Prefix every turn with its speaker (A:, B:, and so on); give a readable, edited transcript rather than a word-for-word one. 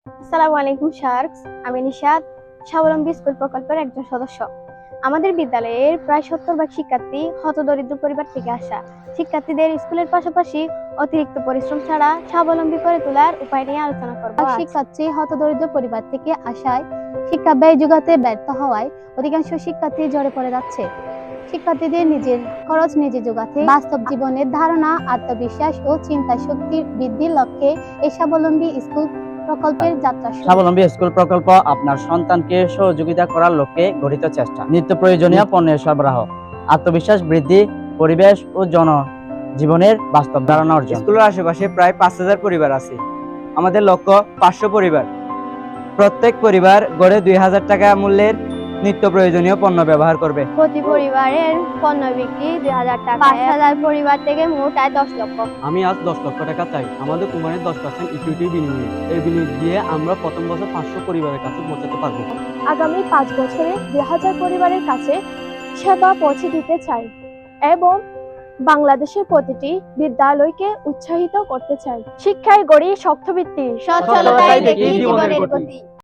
A: আসসালামু আলাইকুম শার্কস। আমি নিশাদ, স্বাবলম্বী স্কুল প্রকল্পের একজন সদস্য। আমাদের বিদ্যালয়ের প্রায় 70 ভাগ শিক্ষার্থী হতদরিদ্র পরিবার থেকে আসা। শিক্ষার্থীদের স্কুলের পাশাপাশি অতিরিক্ত পরিশ্রম ছাড়া স্বাবলম্বী করে তোলার উপায় নিয়ে আলোচনা করব। শিক্ষার্থী হতদরিদ্র পরিবার থেকে আসায় শিক্ষা ব্যয় যোগাতে ব্যর্থ হওয়ায় অধিকাংশ শিক্ষার্থী ঝরে পড়ে যাচ্ছে। শিক্ষার্থীদের নিজের খরচ নিজে যোগাতে বাস্তব জীবনের ধারণা, আত্মবিশ্বাস ও চিন্তা শক্তি বৃদ্ধির লক্ষ্যে এই স্বাবলম্বী স্কুল প্রকল্পের যাত্রা শুরু।
B: স্বাবলম্বী স্কুল প্রকল্প আপনার সন্তানকে সহযোগিতা করার লক্ষ্যে গঠিত চেষ্টা। নিত্য প্রয়োজনীয় পণ্যের সরবরাহ, আত্মবিশ্বাস বৃদ্ধি, পরিবেশ ও জীবনের বাস্তব ধারণা অর্জন।
C: স্কুলের আশেপাশে প্রায় 5,000 পরিবার আছে। আমাদের লক্ষ্য 500 পরিবার। প্রত্যেক পরিবার গড়ে 2,000 টাকা মূল্যের নিত্য প্রয়োজনীয় পণ্য ব্যবহার করবে।
A: প্রতি পরিবারের পণ্য বিক্রি 2,000 টাকা। 5,000 পরিবার থেকে মোট আয় 10 লক্ষ।
D: আমি আজ 10 লক্ষ টাকা চাই আমাদের কোম্পানির 10% ইকুইটি বিনিময়ে। এই বিনিয়োগ দিয়ে আমরা প্রথম বছর 500 পরিবারের কাছে পৌঁছাতে পারবো।
E: আগামী 5 বছরে 2,000 পরিবারের কাছে সেবা পৌঁছে দিতে চাই এবং বাংলাদেশের প্রতিটি বিদ্যালয়কে উৎসাহিত করতে চাই। শিক্ষায় গড়ি শক্ত ভিত্তি,
A: সচ্ছলতাই দেখি জীবনের গতি।